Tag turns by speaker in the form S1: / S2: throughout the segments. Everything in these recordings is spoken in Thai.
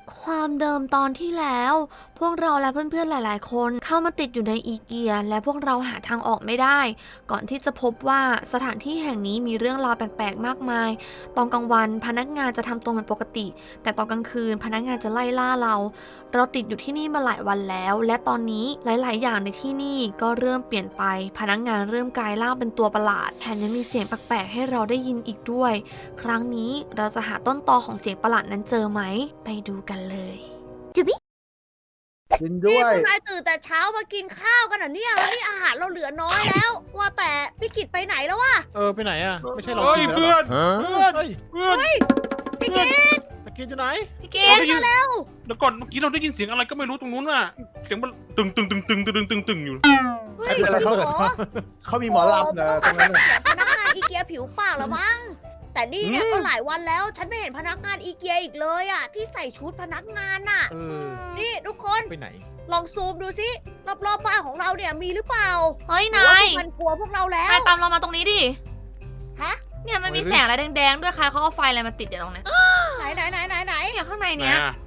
S1: ความเดิมตอนที่แล้ว พวกเราและเพื่อนๆหลายๆคนเข้ามาติดอยู่ในอีเกียและพวกเราหาทางออกไม่ได้ ก่อนที่จะพบว่าสถานที่แห่งนี้มีเรื่องราวแปลกๆมากมาย ตอนกลางวันพนักงานจะทำตัวเป็นปกติ แต่ตอนกลางคืนพนักงานจะไล่ล่าเรา เราติดอยู่ที่นี่มาหลายวันแล้ว และตอนนี้หลายๆอย่างในที่นี่ก็เริ่มเปลี่ยนไป พนักงานเริ่มกลายร่างเป็นตัวประหลาดแถมยังมีเสียงแปลกๆให้เราได้ยินอีกด้วย ครั้งนี้เราจะหาต้นตอของเสียงประหลาดนั้นเจอไหม ไปดูกันเลยจุบิ
S2: กิน
S3: นี่
S2: ด้วย
S3: พวกนายตื่นแต่เช้ามากินข้าวกันเหรอเนี่ยแล้วนี่อาหารเราเหลือน้อยแล้ว ว่าแต่พี่กิตไปไหนแล้ววะ
S4: ไปไหนอ่ะ ไม่ใช่เรา
S5: เฮ้ย
S4: กินแล้ว
S5: เพื่
S4: เหร
S5: อ
S4: อน
S5: เพื่อน
S4: เฮ้ย
S5: เพื่อน
S3: พี่กิต
S4: ตะกินอยู่ไหน
S1: พี่เก
S5: เรา
S1: ด
S5: ได้ยิน
S3: แล้ว
S5: เดี๋ยวก่อนเมื่อกี้เราได้ยินเสียงอะไรก็ไม่รู้ตรงนู้นน่ะเสียงมันตึงตึงตึงตึงตึงตึงตึงอยู่
S3: เฮ้ยจริงเหรอ
S2: เขามีหมอลำนะตรงนั้นน่ะ
S3: เสียงพนักงานอีเกียผิวปากแล้วมั้งแต่นี่เนี่ยก็หลายวันแล้ว ฉันไม่เห็นพนักงานอีเกียอีกเลยอ่ะที่ใส่ชุดพนักงานน่ะ
S4: เออ
S3: นี่ทุกคน
S4: ไปไหน
S3: ลองซูมดูสิรอบๆบ้านของเราเนี่ยมีหรือเปล่า
S1: เฮ้ย
S3: หรือว่
S1: นาย
S3: มันกลัวพวกเราแล้ว
S1: นายตามเรามาตรงนี้ดิ
S3: ฮะ
S1: เนี่ยมันมีแสงอะไรแดงๆด้วยใครเขาเอาไฟอะไรมาติดอยู่ตรงเนี้ย
S3: ไหนไหน
S1: เนี่ยข้างใน
S5: ไหน
S1: เนี้ย
S5: อ่ะ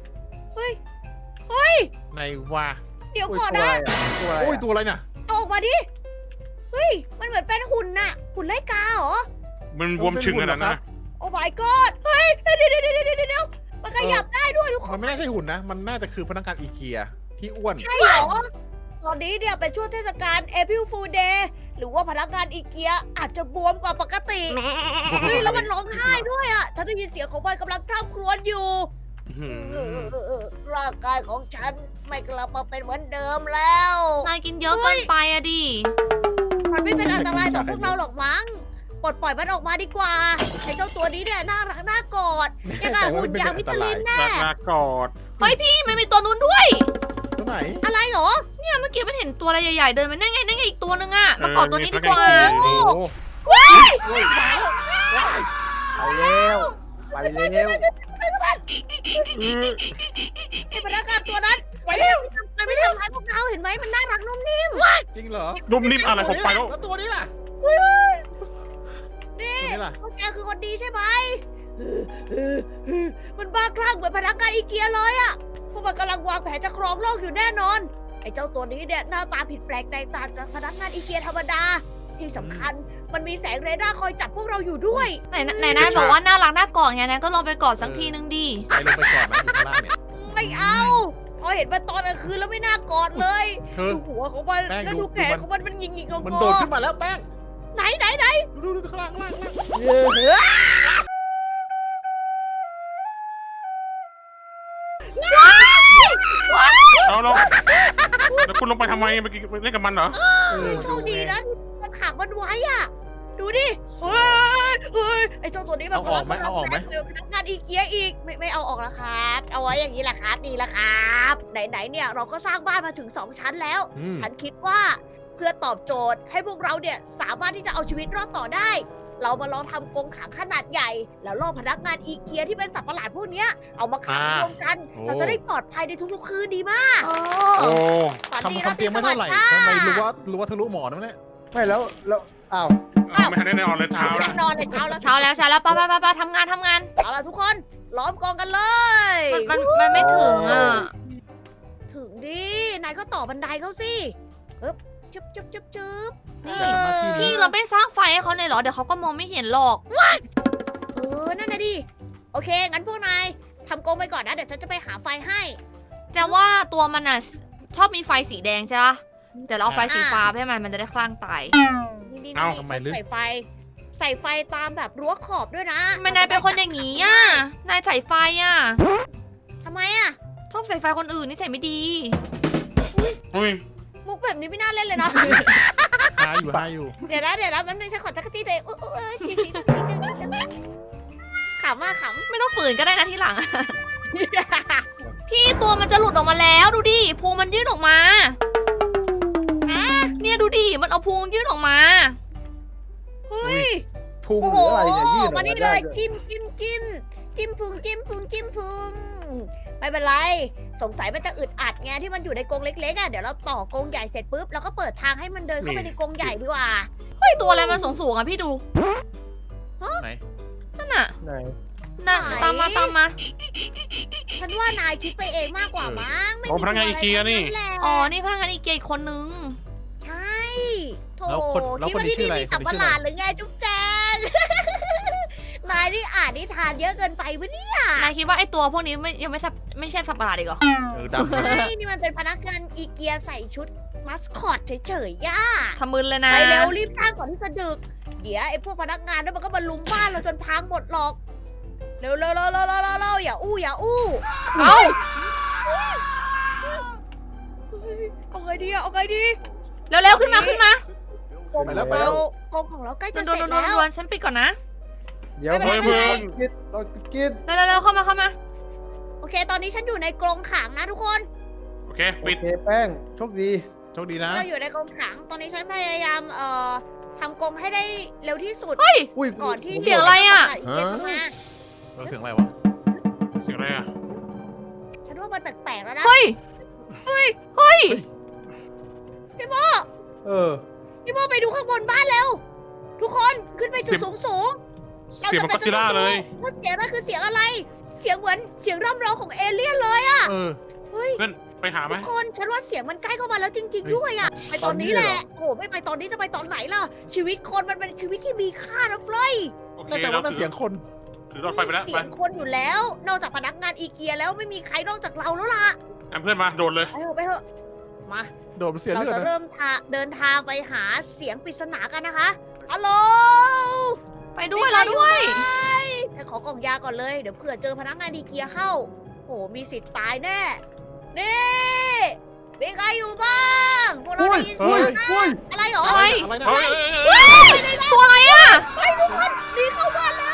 S4: ไหนวะ
S3: เดี๋ยว
S2: โอ้ย
S3: ก่อน
S2: ตัว
S3: นะ
S2: อะไรอ่ะตัวอะไร
S4: โอ้ย
S2: อ่ะ
S4: ตัวอะไรน่ะ
S3: เอาออกมาดิเฮ้ยมันเหมือนเป็นหุ่นน่ะหุ่นไล่กาเหรอ
S5: มันบวมชึงขนาดนั้นนะ
S3: โอ้ my god เฮ้ยเดี๋ยวมันขยับได้ด้วยทุกคน
S4: มันไม่น่าใช่หุ่นนะ มันน่าจะคือพนักงานอีเกียที่อ้วน
S3: ใช่เหรอ ตอนนี้เนี่ยเป็นช่วงเทศกาล April Fool Day หรือว่าพนักงานอีเกียอาจจะบวมกว่าปกติ เฮ้ย แล้วมันร้องไห้ด้วยอ่ะ ฉันได้ยินเสียงของมันกำลังคร่ำครวญอยู่ ร่างกายของฉันไม่กลับมาเป็นเหมือนเดิมแล้ว
S1: นายกินเยอะเกินไปอะดิ
S3: มันไม่เป็นอันตรายต่อพวกเราหรอกมั้ง ปลดปล่อยมันออกมาดีกว่าไอ้เจ้าตัวนี้เนี่ยน่ารักน่ากอดยังไงหุ่นยางมิชลินแน่
S5: ลากอด
S1: เฮ้ยพี่มันมีตัวนู้นด้วย
S4: ตัวไหน
S3: อะไรเหรอ
S1: เนี่ยเมื่อกี้มันเห็นตัวอะไรใหญ่ๆเดินมานั่นไงอีกตัวนึงอะมากอดตัวนี้ดีกว่า
S4: โอ้
S1: ว้าย
S4: มาแล้ว
S2: ไปแล้วไปแล้ว
S3: ไอ้พนักงานตัวนั้นไปเร็วมันไม่ทำร้ายพวกเราเห็นไหมมันน่ารักนุ่มนิ่ม
S4: จริงเหรอ
S5: นุ่มนิ่มอะไรของไปแล้ว
S4: แล้วตัวนี้ล่ะ
S3: นี่
S4: ตัวนี้ล่ะ
S3: พวกแกคือคนดีใช่ไหมมันบ้าคลั่งเหมือนพนักงานอีเกียเลยอะพวกมันกำลังวางแผนจะครองโลกอยู่แน่นอน ไอ้เจ้าตัวนี้เนี่ยหน้าตาผิดแปลกแตกต่างจากพนักงานอีเกียธรรมดา ที่สำคัญมันมีแสงเรดาร์คอยจับพวกเราอยู่ด้วย
S1: ไหนนายบอกว่าน่ารักน่ากอดไงนะก็ลองไปกอดสักทีนึงดิ
S4: ไปลงไปก่อนมันอยู่ข้างล่างเนี่ย
S3: ไม่เอา พอเห็นมันตอนกลางคืนแล้วไม่น่ากอดเลย
S4: เธอ
S3: ดูหัวของมัน
S4: แป้ง
S3: แล้ว
S4: ดู
S3: ดูแขนของมันหงิกๆงอๆ
S4: มันโดดขึ้นมาแล้วแป้ง
S3: ไหน
S4: ดูข้างล่างข้างล่าง
S5: เอาเราแล้วคุณลงไปทำไมเมื่อกี้เล่นกับมันเหรอ
S3: โชคดีนะที่มันขังมันไว้อ่ะ ดูดิ เฮ้ย ไอ้เจ้าตัวนี้มัน
S4: เอาออกไหมเอาออกไหม
S3: เจอพนักงานอีเกียอีก ไม่เอาออกแล้วครับ เอาไว้อย่างนี้แหละครับ ดีละครับ ไหนเนี่ยเราก็สร้างบ้านมาถึง 2 ชั้นแล้ว
S4: อืม
S3: ฉันคิดว่าเพื่อตอบโจทย์ให้พวกเราเนี่ยสามารถที่จะเอาชีวิตรอดต่อได้ เรามาลองทำกรงขังขนาดใหญ่ แล้วล่อพนักงานอีเกียที่เป็นสัตว์ประหลาดพวกเนี้ยเอามาขังรวมกัน เราจะได้ปลอดภัยในทุกๆคืนดีมาก
S1: โอ้
S5: โอ้
S3: ฝันดี
S4: ทำเตียงไม่เท่าไหร่ทำไมรู้ว่าทะลุหมอนนั่นแหละ
S2: ไม่แล้วอ้าว
S5: ไม่ทันได้นอนเลยเท้า
S3: แน่
S5: ละ
S3: นอนในเช้าแล้ว
S1: เช้าแล้วไปทำงาน
S3: เอาล่ะทุกคนล้อมกองกันเลย
S1: มันไม่ถึงอ่ะ
S3: ถึงดินายก็ต่อบันไดเขาสิจึ๊บ
S1: นี่
S4: แต่หน้าที่
S1: พี่
S4: นี้
S1: เราไม่สร้างไฟให้เขาเลยเหรอเดี๋ยวเขาก็มองไม่เห็นหรอก
S3: นั่นนะดิโอเคงั้นพวกนายทำกรงไปก่อนนะเดี๋ยวฉันจะไปหาไฟให้
S1: แต่ว่าตัวมันอ่ะชอบมีไฟสีแดงใช่ปะเดี๋ยวเราเอาไฟสีฟ้าให้มันจะได้คลั่งตาย
S3: นี่
S4: ทำไมลึก
S3: ใส่ไฟตามแบบรั้วขอบด้วยนะ
S1: ทำไมนายเป็นคนอย่างนี้อ่ะนายใส่ไฟอ่ะ
S3: ทำไมอ่ะ
S1: ชอบใส่ไฟคนอื่นนี่ใส่ไม่ดี
S5: อุ้ย
S3: มุกแบบนี้ไม่น่าเล่นเลยนะ
S4: หาอยู่
S3: เดี๋ยวนะแป๊บนึงฉันขอจักรตี้ตัวเองจริงขำมากขำ
S1: ไม่ต้องฝืนก็ได้นะทีหลัง พี่ตัวมันจะหลุดออกมาแล้วดูดิพุงมันยื่นออกมาเนี่ยดูดิมันเอาพุงยื่นออกมา
S3: เฮ้ย
S2: พุง
S3: โอ้
S2: ห
S3: โห
S2: รืออะไรเนี่ยยืดออก
S3: มา
S2: มา
S3: นี่
S2: ได้
S3: เลย
S2: ด้วย
S3: จิ้มพุงไม่เป็นไร สงสัยมันจะอึดอัดไงที่มันอยู่ในกรงเล็กๆอ่ะเดี๋ยวเราต่อกรงใหญ่เสร็จปุ๊บเราก็เปิดทางให้มันเดินเข้าไปในกรงใหญ่ดีกว่า
S1: เฮ้ยตัวอะไรมันสูงๆอ่ะพี่ดู
S4: ไหน
S1: นั่นน่ะ
S2: ไหน
S1: น่ะ
S3: ไหน
S1: ตามมาตามมา
S3: ฉันว่านายคิดไปเองมากกว่ามั้งไม่
S5: โอ้พนักงานอีเกียนี่
S3: แหละ
S1: อ๋อ นี่พนักงานอีเกียอีกคนนึง
S3: ใช่โถ
S4: แล้วคน
S3: คิด
S4: นี้
S3: ว่า
S4: ชื่ออะไร
S3: ที่นี่มีสัม
S4: คน
S3: ป
S4: นี้ชื่อ
S3: ห
S4: อะไร
S3: ลาดหรือไงจุ๊บแจง นายนี่อ่านนิทานเยอะเกินไปวะเนี่ย
S1: นายคิดว่าไอตัวพวกนี้ยังไม่ใช่สัตว์ประหลาดอีกเหรอ
S4: ดำนะ
S3: ไม่นี่มันเป็นพนักงานอีเกียใส่ชุดมัสคอตเฉยๆย่า
S1: ทำมึนเลยนะ
S3: ไปเร็วรีบสร้างก่อนที่จะดึก เดี๋ยวไอ้พวกพนักงานนั่นมันก็มาลุมบ้านเราจนพังหมดหรอก เร็วอย่าอู้อย่าอู้
S1: เอ้า
S3: เอาไงดีอะเอาไงดี
S1: เร็วๆขึ้นมาขึ้นมา
S3: กองของเรากองของเราใกล้จะเสร็จ
S1: ด
S3: แล้ว
S1: วนๆฉันปิดก่อนนะ
S2: เดี๋ยว
S3: ไม่เป็นไร
S2: เพิ่งกินเรากิน
S1: เร็วๆเข้ามาเข้ามา
S3: โอเค ตอนนี้ฉันอยู่ในกรงขังนะทุกคน
S5: โอเค
S2: โอ
S5: ปิด
S2: เคแป้งโชคดี
S4: โชคดีนะ
S3: เราอยู่ในกรงขัง ตอนนี้ฉันพยายามทำกรงให้ได้เร็วที่สุด
S1: เฮ้ย
S2: อุ้ย
S3: ก่อนที่
S1: เสียงอะไรอะ
S3: เสียงเข้ามา
S4: เสียงอะไรวะ
S5: เสียงอะไรอ่ะ
S3: ฉันว่ามันแปลกๆแล้วนะ
S1: เฮ้ย เฮ้ย
S3: พี่โม
S2: เออ
S3: พี่โมไปดูข้างบนบ้านเร็ว ทุกคนขึ้นไปจุดสูงๆ
S5: เสียงมันก็ซิล่าเลย
S3: ว่าเสียงนั่นคือเสียงอะไร เสียงเหมือนเสียงร่ำร้องของเอเลี่ยนเลย
S4: เออ
S3: เฮ้ย
S5: เพื่อนไปหาไหม
S3: ทุกคนฉันว่าเสียงมันใกล้เข้ามาแล้วจริง ๆ ด้วยอะไปตอนนี้แหละ โอ้โหไม่ไปตอนนี้จะไปตอนไหนล่ะ ชีวิตคนมันเป็นชีวิตที่มีค่านะเฟลย
S5: โอเค
S4: น่าจะว่าน่าเสียงคน
S5: ถือหลอดไฟไปแล้ว
S3: เสี
S5: ไป
S3: ยงคนอยู่แล้ว นอกจากพนักงานอีเกียแล้วไม่มีใครนอกจากเราแล้วล่ะ
S5: เพื่อนมาโดนเลย
S3: ไปเถอะมา
S4: โดนเสีย
S3: เรา
S4: เลือด
S3: จะ
S4: นะ
S3: เริ่มเดินทางไปหาเสียงปริศนากันนะคะฮัลโหล
S1: ไปด้วยแล้วด้วย
S3: ฉันขอกล่องยาก่อนเลย เดี๋ยวเผื่อเจอพนักงานอีเกียเข้า โห มีสิทธิ์ตายแน่ นี่มีใครอยู่บ้างพวกเรา
S2: อุ้ย
S3: ได้ยิน
S2: อุ้
S3: เสี
S2: ย
S3: ยงนะ
S2: อุ้ย
S3: อะไรเหรอ
S1: อะไร
S4: อะไรนะ
S5: เฮ้ย
S1: ตัวอะไรอ่ะ
S3: หนีเข้าบ้านแล้ว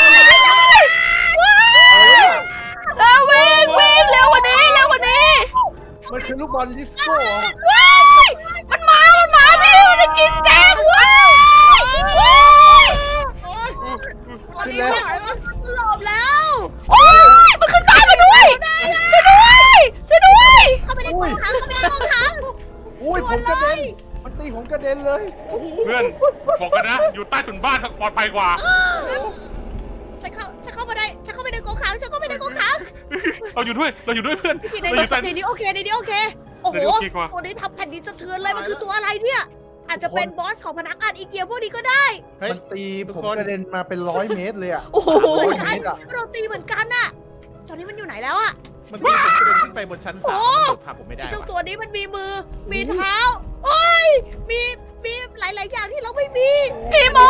S1: แล้ววิ่งเร็วกว่านี้เร็วกว่านี้
S2: มันคือลูกบอลดิสโก้เหรอ
S1: ว้ายมันมาพี่มันจะกินแจงว้ายว้าย
S3: ตอนนี้มันหลบแล้ว
S1: โอ้ยมันขึ้นตามมาด้วยช่วยด้วย
S3: เข้าไปในกองทัพเข้าไปในกองทัพ
S2: อุ้ยผมกระเด็นมันตีผมกระเด็นเลย
S5: เพื่อนบอกกันนะ อยู่ใต้ถุนบ้านปลอดภัยกว่า
S3: ฉันเข้ามาได้ฉันเข้าไปในกองขังฉันเข้าไปในกองขัง
S5: เราอยู่ด้วยเพื่อน
S3: ใน
S5: เราอยู่ใต้
S3: นี้โอเคในนี้โอเค โอ้โห
S5: ในนี้โอเคกว่า
S3: ตัวนี้ทำแผ่นดินสะเทือนเลยมันคือตัวอะไรเนี่ย อาจจะเป็นบอสของพนักงานอีเกียพวกนี้ก็ได้
S4: เฮ้ย
S2: มันตี
S4: ทุก
S2: ผม
S4: คน
S2: กระเด็นมาเป็น100 เมตรเลยอ่ะ
S1: โอ้โห
S3: เหมือน
S2: โอ้
S3: กัน
S2: ยอะ
S3: เราตีเหมือนกันน่ะ ตอนนี้มันอยู่ไหนแล้วอะ
S4: เมื่อกี้ผมกระเด็นขึ้นไปบนชั้น3มันโดดพาผมไม่ได้
S3: เจ้า
S4: ว่ะ
S3: ตัวนี้มันมีมือ มีเท้า โอ้ย มีหลาย ๆ อย่างที่เราไม่มี
S1: พี่โม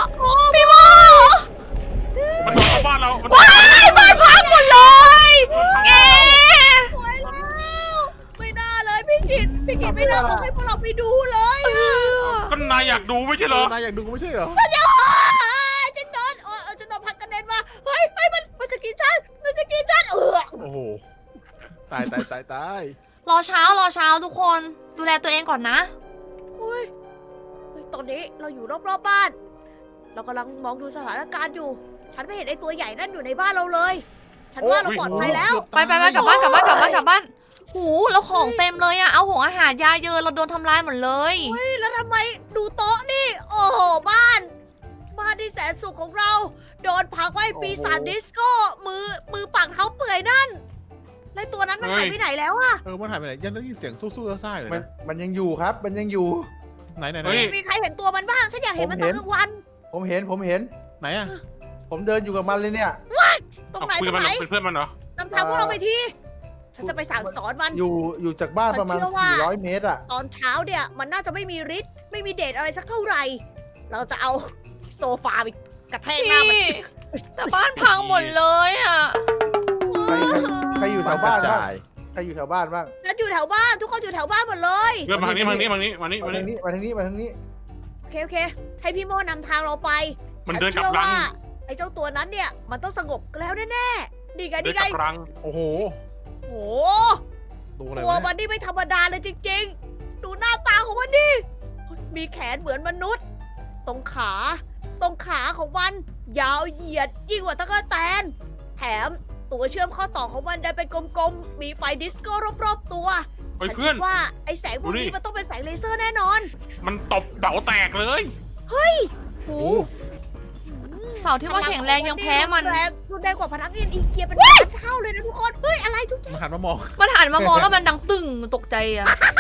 S5: มันโดนเข้าบ้านเรามัน
S1: ว้ายบ้านพังหมดเลยแก
S3: สวยแล้ว ไม่น่าเลยพี่กิตไม่น่าบอกให้พวกเราไปดูเลยอะ
S5: ก็นายอยากดูไม่ใช่เหรอ
S4: นายอยากดูไม่ใช่เหรอ
S3: เดี๋ยวจะโดนจะโดนพักกระเด็นมา เฮ้ยมันจะกินฉัน มันจะกินฉัน
S4: โอ้โห ตาย
S1: รอเช้าทุกคน ดูแลตัวเองก่อนนะ
S3: เฮ้ยตอนนี้เราอยู่รอบๆบ้าน เรากำลังมองดูสถานการณ์อยู่ ฉันไม่เห็นไอ้ตัวใหญ่นั่นอยู่ในบ้านเราเลย ฉันว่าเราปลอดภัยแล้ว
S1: ไปกลับบ้านหูแล้วของเต็มเลยอะเอาหงอาหารยาเยอะเราโดนทำลายหมดเลย
S3: เฮ้ยแล้วทำไมดูโต๊ะนี่ โอ้โหบ้านที่แสนสุขของเรา โดนพักไว้ปีศาจดิสโก้มือปากเท้าเปื่อยนั่นแล้วตัวนั้นมันหายไปไหนแล้วอะ
S4: มันหายไปไหนยังได้ยินเสียงสู้ๆซ่าๆอยู่เลย
S2: มัน
S4: นะ
S2: มันยังอยู่ครับ มันยังอยู่
S4: ไหน
S5: เฮ้ย
S3: มีใครเห็นตัวมันบ้าง ฉันอยากเห็นมันตอนกลางวัน
S2: ผมเห็น
S4: ไหนอะ
S2: ผมเดินอยู่กับมันเลยเนี่ย
S3: ตรง
S5: เอา
S3: ไหน
S5: คุย
S3: ต
S5: กั
S3: ร
S5: บ
S3: ง
S5: มัน
S3: ไหน
S5: เป็นเพื่อนมันเหรอ
S3: นำทางพวกเราไปทีฉันจะไปสั่งสอนมัน
S2: อยู่จากบ้านประมาณ
S3: ฉันเชื่อว่า
S2: 400 เมตรอ่ะ
S3: ตอนเช้าเนี่ยมันน่าจะไม่มีฤทธิ์ไม่มีเดชอะไรสักเท่าไหร่ เราจะเอาโซฟาไปกระแทกหน้ามัน
S1: พี่แต่บ้านพังหมดเลยอะ
S2: ใครอยู่แถ
S4: บ้าน
S2: ว
S4: ก
S2: บ้า
S4: ระ
S2: นบ้าง
S4: จาย
S2: ใครอยู่แถวบ้านบ้าง
S3: ฉันอยู่แถวบ้านทุกคนอยู่แถวบ้านหมดเลย
S5: เพื่อนมาทางนี้
S2: มา
S5: มา
S2: นี่
S5: ทางนี้มาทางนี้มาทางนี้
S2: มาทางนี้มาทางนี้
S3: โอเคให้พี่โมนำทางเราไป
S5: มันเดินกลับ
S3: ฉั
S5: รัง
S3: เชื่อว่าไอ้เจ้าตัวนั้นเนี่ยมันต้องสงบแล้วแน่ๆดีไง
S5: เดิ
S3: ดี
S5: น
S3: ไง
S5: กลับรัง
S4: โอ้โห
S3: โอ้โห
S4: ดูอะไร
S3: ตัว
S4: วะ
S3: มันนี่ไม่ธรรมดาเลยจริงๆ ดูหน้าตาของมันดิมีแขนเหมือนมนุษย์ ตรงขาของมัน ยาวเหยียดยิ่งกว่าตะกั่วแตน แถมตัวเชื่อมข้อต่อของมันได้เป็นกลมๆ มีไฟดิสโก้รอบๆตัว
S5: เฮ้ย
S3: ฉัน
S5: เพื่อ
S3: คิ
S5: น
S3: ดว่าไอ้แสงพวก
S5: ดู
S3: นี้
S5: ดิ
S3: มันต้องเป็นแสงเลเซอร์แน่นอน
S5: มันตบเดาแตกเลย
S1: หูเสาร์ที่ว่าแข็งแรงยังแพ้มัน
S3: รุนแรงกว่าพนักงานอีเกียเป็นล้านเท่าเลยนะทุกคน เฮ้ย อะไรทุกอย่าง
S4: มาหันมามอง
S1: มันหันมามองแล้วมันดังตึงตกใจอะ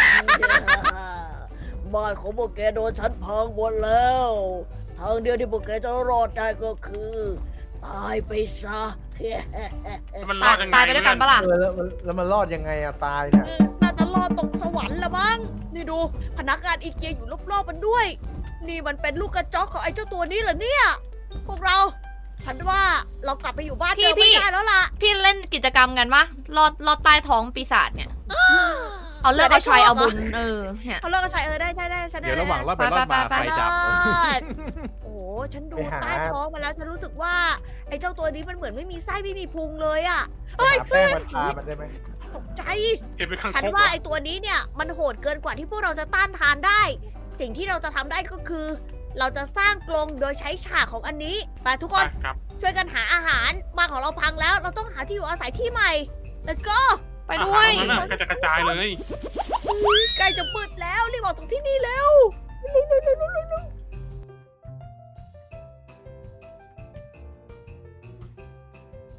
S3: บ้านของพวกแกโดนฉันพังหมดแล้ว ทางเดียวที่พวกแกจะรอดได้ก็คือ ตายไปซะ
S5: มันรอดยังไง
S1: ตายไปด้วยกันปะล่ะ
S2: แล้วมันรอดยังไงอะตายเนี่ย
S3: น่าจะรอดตกสวรรค์ละมั้ง นี่ดูพนักงานอีเกียอยู่รอบๆมันด้วย นี่มันเป็นลูกกระจอกของไอ้เจ้าตัวนี้เหรอเนี่ย พวกเรา ฉันว่าเรากลับไปอยู่บ้านเดิมไม่ได้แล้วล่ะ
S1: พี่เล่นกิจกรรมกันปะลอดใต้ท้องปีศาจเนี่ย เอาเลิกเอาชัยเอาบุญเนี่ย
S3: เขาเลิกกันใช้ได้ฉันได้
S4: เดี๋ยวระหว่างรอดไปรอดมา
S1: ไป
S4: ใครจับ
S3: โอ้โห ฉันดูใต้ท้องมาแล้ว ฉันรู้สึกว่าไอ้เจ้าตัวนี้มันเหมือนไม่มีไส้ไม่มีพุงเลยอะ
S2: หาแป้งมาทามันได้ไหม
S3: ตกใจ
S5: เห็นเป็นข้าง
S3: ฉัน
S5: คก
S3: ว่าไอ้ตัวนี้เนี่ยมันโหดเกินกว่าที่พวกเราจะต้านทานได้ สิ่งที่เราจะทำได้ก็คือ เราจะสร้างกรงโดยใช้ฉากของอันนี้ไปทุกคน
S5: ครับ
S3: ช่วยกันหาอาหารบ้านของเราพังแล้ว เราต้องหาที่อยู่อาศัยที่ใหม่ let's go
S1: ไปด้วย
S5: อาหารตรงนั้นน่ะกระจายเลย
S3: ใกล้จะมืดแล้วรีบออกจากที่นี่เร็ว